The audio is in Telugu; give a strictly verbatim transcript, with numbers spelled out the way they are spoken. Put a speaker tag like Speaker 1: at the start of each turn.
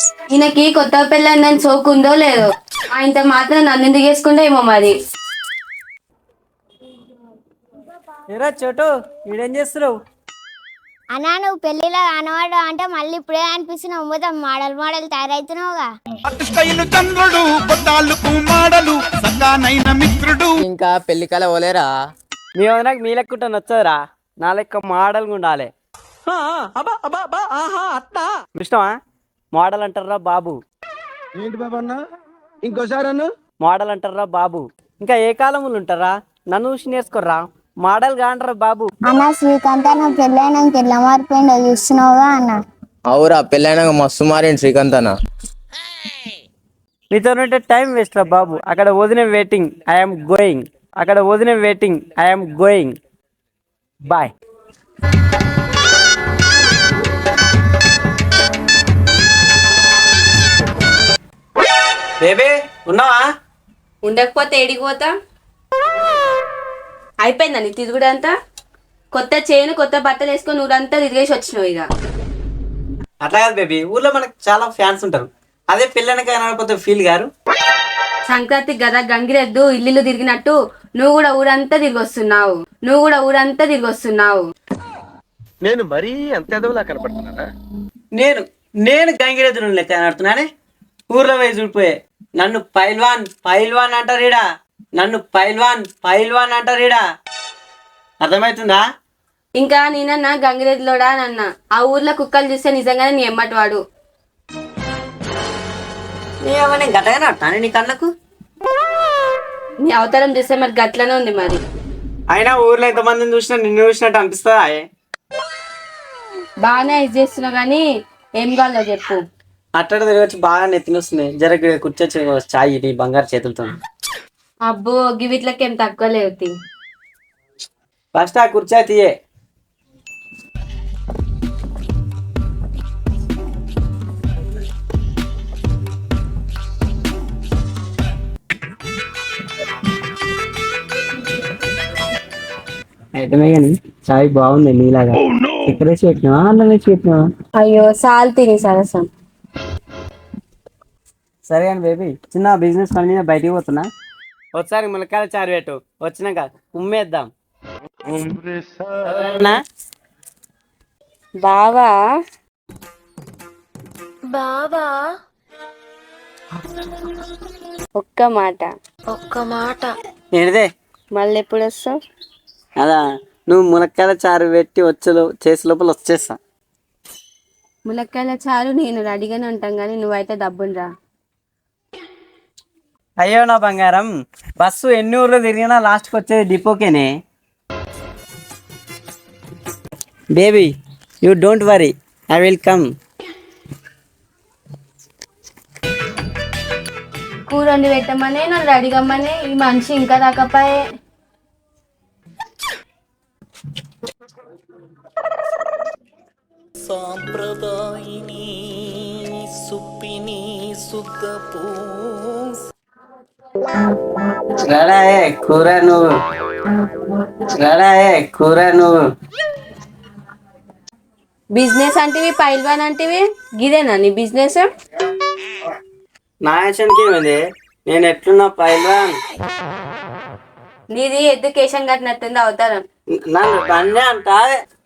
Speaker 1: ఈయనకి కొత్త పెళ్ళని సోకుందో లేదో ఆయనతో మాత్రం నన్ను ఎందుకు చేసుకుంటే ఏమో మరి.
Speaker 2: ఏరా చోటు వీడేం చేస్తున్నావు?
Speaker 3: అన్నా నువ్వు పెళ్లిలో కనబడ్డావు అంటే మళ్ళీ ఇప్పుడే అనిపిస్తున్నావు. మొత్తం మోడల్ మోడల్ తయారైతున్నావుగా.
Speaker 4: ఇంకా పెళ్లి కల పోలేరా?
Speaker 2: మీ వదనకు మీ లెక్కుంటే నచ్చదురా, నా లెక్క మోడల్గా ఉండాలి. ఇష్టమా? మోడల్ అంటారా బాబు?
Speaker 5: ఏంటి బాబు అన్న ఇంకోసారి అన్న
Speaker 2: మోడల్ అంటారా బాబు? ఇంకా ఏ కాలంలో ఉంటారా? నన్ను చూసి నేర్చుకోర్రా, మోడల్ కాంటారా బాబు.
Speaker 3: అన్న శ్రీకాంత్ అన్న పెళ్ళైనాక ఎట్లా మారిపోయిందో చూస్తున్నావుగా అన్న.
Speaker 4: అవురా, పెళ్ళైనాక మస్తు మారిండు శ్రీకాంత్ అన్న.
Speaker 2: నీతో ఉంటే టైం వేస్ట్ రా బాబు. అక్కడ వదిన వెయిటింగ్, ఐఎమ్ గోయింగ్. అక్కడ వదిన waiting, I'm going. Bye. Baby ఉన్నావా?
Speaker 1: ఉండకపోతే ఏడికి పోతా? అయిపోయిందా నీ తిరుగుడు అంతా? కొత్త చైన్ కొత్త బట్టలు వేసుకొని ఊరంతా తిరిగేసి వచ్చినావు ఇక.
Speaker 2: అట్లా కాదు బేబీ, ఊర్లో మనకు చాలా ఫ్యాన్స్ ఉంటారు. అదే పిల్లనక కొత్త ఫీల్ గారు.
Speaker 1: సంక్రాంతి గదా గంగిరెద్దు ఇల్లు తిరిగినట్టు నువ్వు కూడా ఊరంతా తిరిగి వస్తున్నావు. నువ్వు కూడా ఊరంతా తిరిగి వస్తున్నావు.
Speaker 5: నేను మరీ అంత ఎదవలా కనపడుతున్నానా?
Speaker 2: నేను నేను గంగిరెద్దును లెక్క ఆడుతున్నానే. ఊర్లో పోయి చూడిపోయే నన్ను పైల్వాన్ పైల్వాన్ అంటారీడా. నన్ను పైల్వాన్ పైల్వాన్ అంటారీడా. అర్థమవుతుందా?
Speaker 1: ఇంకా నేనన్నా గంగిరెద్దులోడా నన్న ఆ ఊర్లో కుక్కలు చూస్తే నిజంగానే నీ ఎమ్మటి వాడు.
Speaker 2: ఏమన్నా గట్టగానే ఆడుతాను నీ కళ్ళకు.
Speaker 1: నీ అవతారం చూస్తే మరి గట్లనే ఉంది మరి.
Speaker 2: అయినా ఊర్లో ఎంతమందిని చూసినా నిన్ను చూసినట్టు అనిపిస్తుందా?
Speaker 1: బాగానే ఇది చేస్తున్నావు కానీ ఏం కావాలో చెప్పు.
Speaker 2: అట్టడ తిరగచ్చి బాగా నెత్తిని వస్తుంది. జర కూర్చొచ్చి చాయ్ నీ బంగారు చేతులతో.
Speaker 1: అబ్బో గివిట్లకి ఏం తక్కువ లేవు.
Speaker 2: ఫస్ట్ ఆ కుర్చీ తీయే. ఐటమే కానీ చాయ్ బాగుంది నీలాగా. ఎక్కడ వేసి పెట్టినావా అన్నం వేసి పెట్టినావా?
Speaker 1: అయ్యో సాల్ తిని సరసం.
Speaker 2: సరే కానీ బేబీ, చిన్న బిజినెస్ పని మీద బయటికి పోతున్నా. ఒకసారి ములక్కాయల చారు పెట్టు, వచ్చినాక ఉమ్మేద్దాం.
Speaker 1: బావా
Speaker 6: బావా
Speaker 1: ఒక్క మాట
Speaker 6: ఒక్క మాట
Speaker 2: ఏంటిదే?
Speaker 1: మళ్ళీ ఎప్పుడు వస్తావు?
Speaker 2: అదా, నువ్వు ములక్కాయల చారు పెట్టి వచ్చే చేసే లోపల వచ్చేస్తా.
Speaker 1: ములక్కాయల చారు నేను రెడీగానే ఉంటాం కానీ నువ్వైతే డబ్బులు.
Speaker 2: అయ్యో నా బంగారం, బస్సు ఎన్ని ఊర్లో తిరిగినా లాస్ట్కి వచ్చేది డిపోకేనే. Baby you don't worry, I will come.
Speaker 1: కూర వండి పెట్టమనే నన్ను రెడీగమ్మనే ఈ మనిషి ఇంకా రాకపోయే.
Speaker 7: సాంప్రదాయిని సుప్పిని సుద్దపూ
Speaker 2: రాడాయే కూర నువ్వు, రాడాయే కూర నువ్వు.
Speaker 1: బిజినెస్ అంటివి పైల్వాన్ అంటివి గిదేనా నీ బిజినెస్?
Speaker 2: నా యాక్షన్కి ఏమైంది? నేను ఎట్లున్నా పైల్వాన్.
Speaker 1: నీది ఎడ్యుకేషన్ కట్టినట్టుంది అవతారం.
Speaker 2: నన్ను బండి అంట